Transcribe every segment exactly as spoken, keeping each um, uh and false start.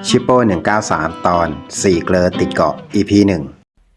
ชิปโป้หนึ่งเก้าสามตอนสี่เกลอติดเกาะ อี พี หนึ่ง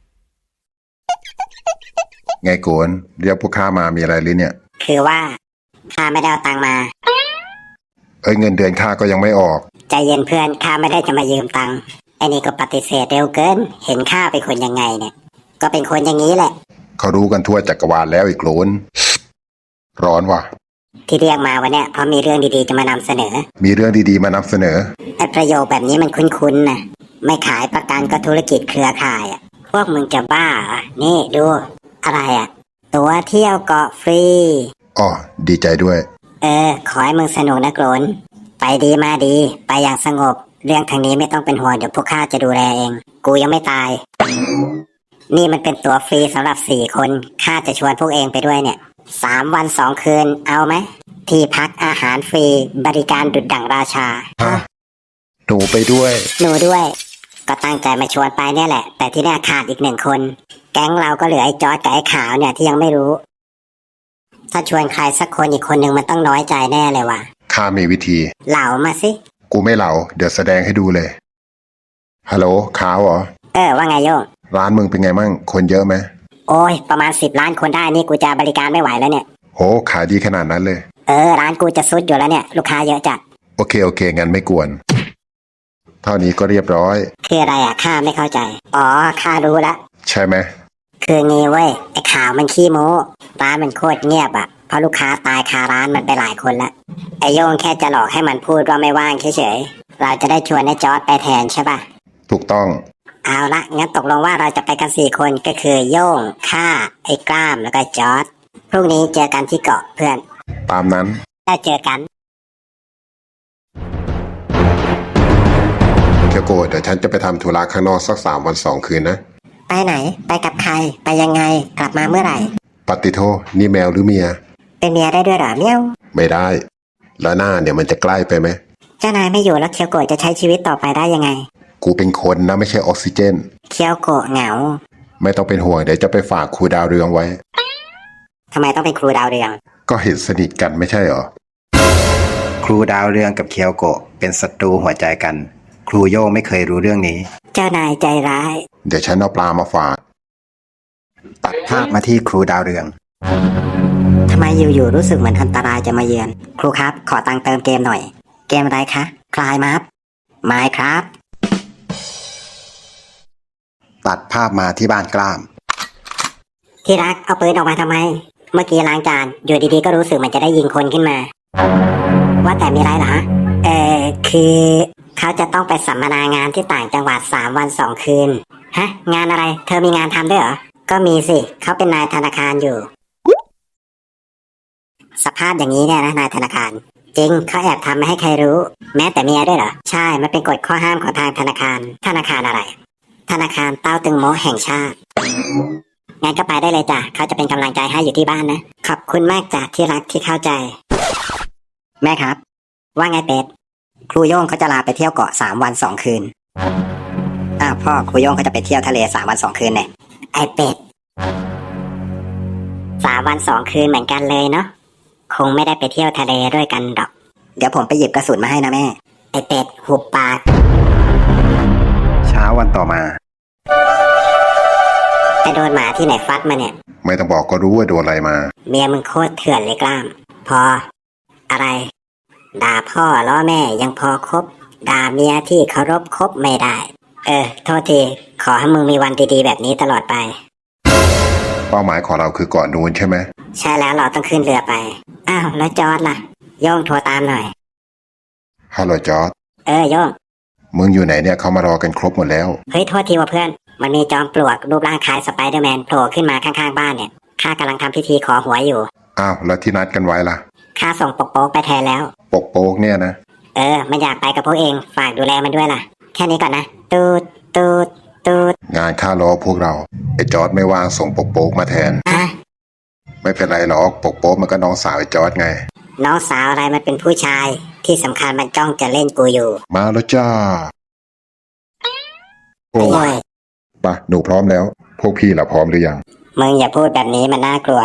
ไงโกนเรียกพวกข้ามามีอะไรหรือเนี่ยคือว่าข้าไม่ได้เอาตังค์มาเอ้ยเงินเดือนข้าก็ยังไม่ออกใจเย็นเพื่อนข้าไม่ได้จะมายืมตังค์ไอ้นี่ก็ปฏิเสธเร็วเกินเห็นข้าเป็นคนยังไงเนี่ยก็เป็นคนอย่างนี้แหละเขารู้กันทั่วจักรวาลแล้วอีกโกนร้อนว่ะที่เรียกมาวันเนี้ยเพราะมีเรื่องดีๆจะมานำเสนอมีเรื่องดีๆมานำเสนอไอ้ประโยคแบบนี้มันคุ้นๆนะไม่ขายประกันก็ธุรกิจเครือข่ายอ่ะพวกมึงจะบ้าเหรอนี่ดูอะไรอ่ะตั๋วเที่ยวเกาะฟรีอ๋อดีใจด้วยเออขอให้มึงสนุกนะโกรนไปดีมาดีไปอย่างสงบเรื่องทางนี้ไม่ต้องเป็นห่วงเดี๋ยวพวกข้าจะดูแลเองกูยังไม่ตายนี่มันเป็นตั๋วฟรีสำหรับสี่คนข้าจะชวนพวกเองไปด้วยเนี่ยสามวันสองคืนเอาไหมที่พักอาหารฟรีบริการดุจดั่งราชาฮะหนูไปด้วยหนูด้วยก็ตั้งใจมาชวนไปเนี่ยแหละแต่ที่แน่ขาดอีกหนึ่งคนแก๊งเราก็เหลือไอ้จอร์จกับไอ้ขาวเนี่ยที่ยังไม่รู้ถ้าชวนใครสักคนอีกคนหนึ่งมันต้องน้อยใจแน่เลยว่ะข้ามีวิธีเหล่ามาสิกูไม่เหล่าเดี๋ยวแสดงให้ดูเลยฮัลโหลขาวเหรอเออว่าไงโยงร้านมึงเป็นไงมั่งคนเยอะไหมโอ้ยประมาณสิบล้านคนได้นี่กูจะบริการไม่ไหวแล้วเนี่ยโหขายดีขนาดนั้นเลยเออร้านกูจะซุดอยู่แล้วเนี่ยลูกค้าเยอะจัดโอเคโอเคงั้นไม่กวนเท่านี้ก็เรียบร้อยคืออะไรอ่ะข้าไม่เข้าใจอ๋อข้ารู้ละใช่ไหมคืองี้เว้ยไอ้ข่าวมันขี้โม้ร้านมันโคตรเงียบอ่ะเพราะลูกค้าตายคาร้านมันไปหลายคนละไอโยงแค่จะหลอกให้มันพูดว่าไม่ว่างเฉยๆเราจะได้ชวนไอ้จอร์จไปแทนใช่ป่ะถูกต้องเอาละงั้นตกลงว่าเราจะไปกันสี่คนก็คือโย่งข้าไอ้กล้ามแล้วก็จอร์จพรุ่งนี้เจอกันที่เกาะเพื่อนตามนั้นได้เจอกันเคียวโกเดี๋ยวฉันจะไปทำธุระข้างนอกสักสามวันสองคืนนะไปไหนไปกับใครไปยังไงกลับมาเมื่อไหร่ปฏิโทนี่แมวหรือเมียเป็นเมียได้ด้วยเหรอเมียวไม่ได้แล้วหน้าเนี่ยมันจะใกล้ไปไหมเจ้านายไม่อยู่แล้วเคียวโกะจะใช้ชีวิตต่อไปได้ยังไงกูเป็นคนนะไม่ใช่ออกซิเจนเคียวโกะเหงาไม่ต้องเป็นห่วงเดี๋ยวจะไปฝากครูดาวเรืองไว้ทำไมต้องเป็นครูดาวเรืองก็เห็นสนิทกันไม่ใช่เหรอครูดาวเรืองกับเคียวโกะเป็นศัตรูหัวใจกันครูโย่งไม่เคยรู้เรื่องนี้เจ้านายใจร้ายเดี๋ยวฉันเอาปลามาฝากตัดภาพมาที่ครูดาวเรืองทำไมอยู่ๆรู้สึกเหมือนอันตรายจะมาเยือนครูครับขอตังค์เติมเกมหน่อยเกมอะไรคะคลายมัฟไมค์ครับตัดภาพมาที่บ้านกล้ามที่รักเอาปืนออกมาทำไมเมื่อกี้ล้างจานอยู่ดีๆก็รู้สึกมันจะได้ยิงคนขึ้นมาว่าแต่มีอะไรเหรอเออคือเขาจะต้องไปสัมมนางานที่ต่างจังหวัดสามวันสองคืนฮะงานอะไรเธอมีงานทำด้วยเหรอก็มีสิเขาเป็นนายธนาคารอยู่สภาพอย่างนี้เนี่ยนะนายธนาคารจริงเขาแอบทำไม่ให้ใครรู้แม้แต่เมียด้วยเหรอใช่มันเป็นกฎข้อห้ามของทางธนาคารธนาคารอะไรธนาคารเต้าตึงโมแห่งชาติงั้นก็ไปได้เลยจ้ะเขาจะเป็นกำลังใจให้อยู่ที่บ้านนะขอบคุณมากจ้ะที่รักที่เข้าใจแม่ครับว่าไงเป็ดครูโย่งเขาจะลาไปเที่ยวเกาะสามวันสองคืนอ้าวพ่อครูโย่งเขาจะไปเที่ยวทะเลสามวันสองคืนเนี่ยไอเป็ดสามวันสองคืนเหมือนกันเลยเนาะคงไม่ได้ไปเที่ยวทะเลด้วยกันดอกเดี๋ยวผมไปหยิบกระสุนมาให้นะแม่ไอเป็ดหุบปากเช้าวันต่อมาไปโดนหมาที่ไหนฟัดมาเนี่ยไม่ต้องบอกก็รู้ว่าโดนอะไรมาเมียมึงโคตรเถื่อนเลยกล้ามพออะไรด่าพ่อล้อแม่ยังพอคบด่าเมียที่เคารพคบไม่ได้เออโทษทีขอให้มึงมีวันดีๆแบบนี้ตลอดไปเป้าหมายของเราคือเกาะนูนใช่ไหมใช่แล้วเราต้องขึ้นเรือไปอ้าวแล้วจอร์จล่ะโย่งโทรตามหน่อยฮัลโหลจอร์จเออโย่งมึงอยู่ไหนเนี่ยเขามารอกันครบหมดแล้วเฮ้ยโทษทีว่าเพื่อนมันมีจอมปลวกรูปร่างคล้ายสไปเดอร์แมนโผล่ขึ้นมาข้างๆบ้านเนี่ยข้ากำลังทำพิธีขอหัวอยู่อ้าวแล้วที่นัดกันไว้ล่ะข้าส่งปกโป๊กไปแทนแล้วปกโป๊กเนี่ยนะเออมันอยากไปกับพวกเองฝากดูแลมันด้วยล่ะแค่นี้ก่อนนะตูดตูดตูดงานข้ารอพวกเราไอ้จอร์จไม่ว่างส่งปกโป๊กมาแทนอะไม่เป็นไรหรอกปกโป๊กมันก็น้องสาวไอ้จอร์จไงน้องสาวอะไรมันเป็นผู้ชายที่สำคัญมันจ้องจะเล่นกูอยู่มาแล้วจ้าโอ้ยปะหนูพร้อมแล้วพวกพี่ล่ะพร้อมหรือยังมึงอย่าพูดแบบนี้มันน่ากลัว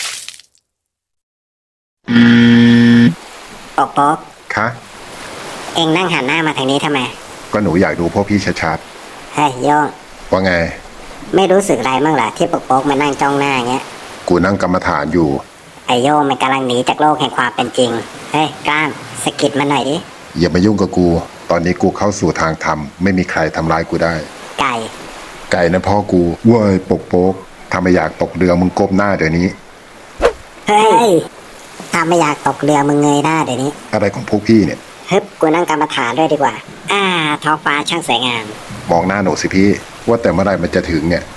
ปกโป๊กคะเอองนั่งหันหน้ามาทางนี้ทำไมก็หนูอยากดูพวกพี่ชัดเฮ้ยโยงๆว่าไงไม่รู้สึกอะไรบ้างเหรอที่ปกโป๊กมานั่งจ้องหน้าอย่างเงี้ยกูนั่งกรรมฐานอยู่ไอโยงมันกำลังหนีจากโลกแห่งความเป็นจริง เฮ้ยกล้ามสะกิดมันหน่อยดิอย่ามายุ่งกับกู ตอนนี้กูเข้าสู่ทางธรรมไม่มีใครทำร้ายกูได้ไก่ไก่นะพ่อกูเว้ยปกโป๊กถ้าไม่อยากตกเรือมึงก้มหน้าเดี๋ยวนี้เฮ้ยถ้าไม่อยากตกเรือมึงเงยหน้าเดี๋ยวนี้อะไรของพวกพี่เนี่ยฮึบกูนั่งกรรมฐานด้วยดีกว่า อ่าท้องฟ้าช่างสวยงามมองหน้าหนูสิพี่ ว่าแต่เมื่อไหรมันจะถึงเนี่ย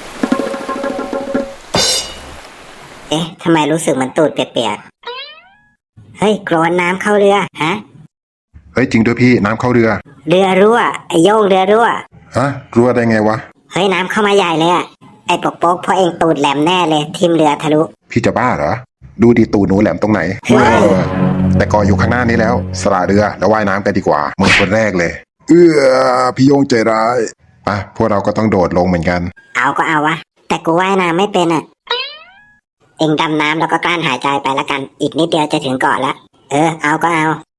เอ๊ะทำไมรู้สึกเหมันตูดเปียกๆเฮ้ยโกรนน้ำเข้าเรือฮะเฮ้ยจริงด้วยพี่น้ำเข้าเรือเรือรั่วไอโยงเรือรั่วฮะรั่วได้ไงวะเฮ้ยน้ำเข้ามาใหญ่เลยอะไอปกโป๊กเพราะเองตูดแหลมแน่เลยทิมเรือทะลุพี่จะบ้าเหรอ ดูดีตูหนูแหลมตรงไหนเฮ้ยเออแต่กออยู่ข้างหน้านี้แล้ว สละเรือแล้วว่ายน้ำกันดีกว่ามึงคนแรกเลย เอื้อพี่โยงใจร้ายไปพวกเราก็ต้องโดดลงเหมือนกันเอาก็เอาวะแต่กูว่ายน้ำไม่เป็นอะเองดำน้ำแล้วก็กลั้นหายใจไปละกัน อีกนิดเดียวจะถึงเกาะแล้วเออเอาก็เอา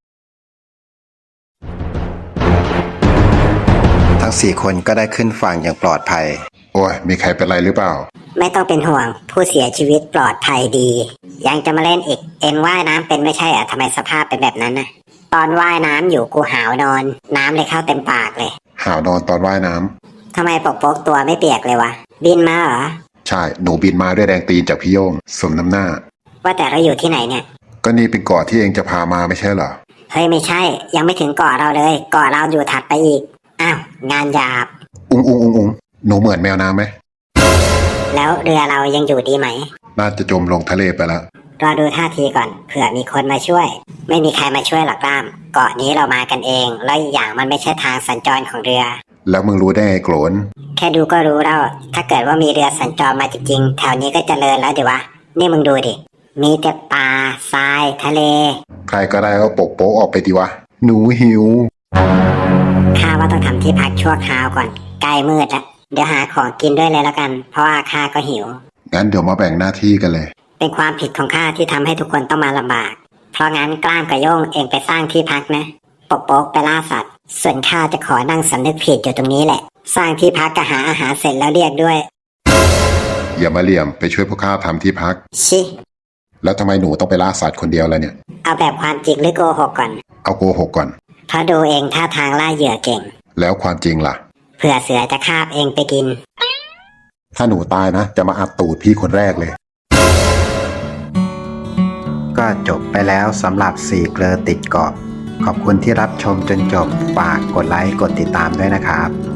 ทั้งสี่คนก็ได้ขึ้นฝั่งอย่างปลอดภัยโอ้ยมีใครเป็นไรหรือเปล่าไม่ต้องเป็นห่วงผู้เสียชีวิตปลอดภัยดี ยังจะมาเล่นอีกเอ็งว่ายน้ำเป็นไม่ใช่เหรอทำไมสภาพเป็นแบบนั้นนะตอนว่ายน้ำอยู่กูหาวนอน น้ำเลยเข้าเต็มปากเลยหาวนอนตอนว่ายน้ำทำไมปกโป๊กตัวไม่เปียกเลยวะบินมาเหรอใช่หนูบินมาด้วยแรงตีนจากพี่โยงสมน้ำหน้าว่าแต่เราอยู่ที่ไหนเนี่ยก็นี่เป็นเกาะที่เองจะพามาไม่ใช่เหรอเฮ้ยไม่ใช่ ยังไม่ถึงเกาะเราเลยเกาะเราอยู่ถัดไปอีกอ้าวงานหยาบอุ้งอุ้งอุ้งอุ้งหนูเหมือนแมวน้ำไหมแล้วเรือเรายังอยู่ดีไหมน่าจะจมลงทะเลไปแล้วรอดูท่าทีก่อนเผื่อมีคนมาช่วย ไม่มีใครมาช่วยหรอกกล้าม เกาะนี้เรามากันเองแล้วอีกอย่างมันไม่ใช่ทางสัญจรของเรือแล้วมึงรู้ได้ไงโกรนแค่ดูก็รู้แล้ว ถ้าเกิดว่ามีเรือสัญจรมาจริงๆแถวนี้ก็เจริญแล้วดิวะ นี่มึงดูดิ มีแต่ป่าทรายทะเลใครก็ได้ก็ปกโป๊กออกไปดีวะ หนูหิวข้าว่าต้องทำที่พักชั่วคราวก่อนใกล้มืดแล้วเดี๋ยวหาของกินด้วยเลยแล้วกัน เพราะว่าข้าก็หิวงั้นเดี๋ยวมาแบ่งหน้าที่กันเลยเป็นความผิดของข้าที่ทำให้ทุกคนต้องมาลำบาก เพราะงั้นกล้ามกับโย่งเองไปสร้างที่พักนะปกโป๊กไปล่าสัตว์ ส่วนข้าจะขอนั่งสำนึกผิดอยู่ตรงนี้แหละ สร้างที่พักกับหาอาหารเสร็จแล้วเรียกด้วยอย่ามาเหลี่ยมไปช่วยพวกข้าทำที่พักชิแล้วทำไมหนูต้องไปล่าสัตว์คนเดียวล่ะเนี่ยเอาแบบความจริงหรือโกหกก่อนเอาโกหกก่อนเพราะดูเองท่าทางล่าเหยื่อเก่งแล้วความจริงล่ะเผื่อเสือจะคาบเองไปกินถ้าหนูตายนะ จะมาอัดตูดพี่คนแรกเลยก็จบไปแล้วสำหรับสี่เกลอติดเกาะ ขอบคุณที่รับชมจนจบ ฝากกดไลค์กดติดตามด้วยนะครับ